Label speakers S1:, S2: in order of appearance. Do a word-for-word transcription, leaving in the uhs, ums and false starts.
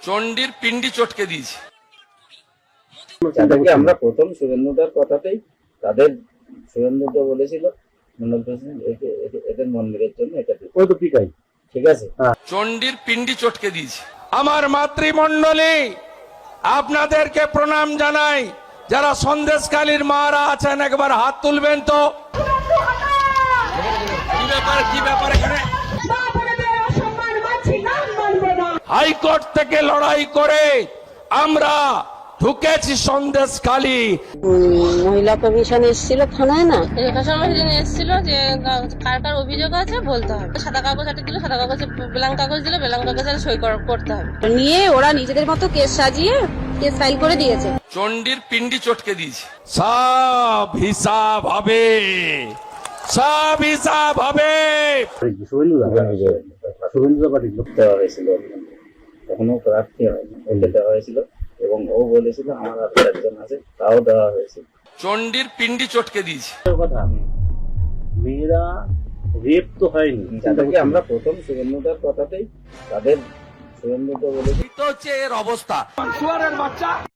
S1: চণ্ডীর পিন্ডি চটকে দিয়েছে।
S2: যাদেরকে আমরা প্রথম সুরেন্দ্রদার কথাতেই তাদের সুরেন্দ্রদা বলেছিল মন্ডল প্রেসিডেন্ট এদের মন্দিরের জন্য এটা ওই তো ঠিকই ঠিক আছে।
S1: চণ্ডীর পিন্ডি চটকে দিয়েছে। আমার মাতৃমণ্ডলী আপনাদেরকে প্রণাম জানাই। যারা সন্দেশকালীর মারা আছেন একবার হাত তুলবেন তো। কি ব্যাপার কি ব্যাপার এখানে? হাইকোর্ট থেকে লড়াই করে আমরা ঢুকেছি সন্দেশখালী।
S3: মহিলা কমিশন এসেছিল থানায় না,
S4: রেখা শর্মা সেদিন এসেছিল যে কার কার অভিযোগ আছে বলতে হবে। সাদা কাগজ একটা দিল, সাদা কাগজে ব্ল্যাঙ্ক কাগজ দিল, ব্ল্যাঙ্ক কাগজে সই করতে হবে।
S3: নিয়ে ওরা নিজেদের মতো কেস সাজিয়ে কেস ফাইল করে দিয়েছে।
S1: চণ্ডীর পিন্ডি চটকে দিয়েছে। সব হিসাব হবে, সব হিসাব হবে।
S2: দেওয়া হয়েছিল তখনও প্রার্থী হয়নি, ওকে দেওয়া হয়েছিল এবং ও বলেছিল আমার আর একজন আছে তাও দেওয়া হয়েছিল।
S1: চণ্ডীর পিন্ডি চটকে দিয়েছে।
S5: কথা মেয়েরা রেপ তো হয়নি,
S2: যাদেরকে আমরা প্রথম সুরেন্দ্রদার কথাতেই তাদের সুরেন্দ্রদা বলেছিল
S1: হচ্ছে এর অবস্থা।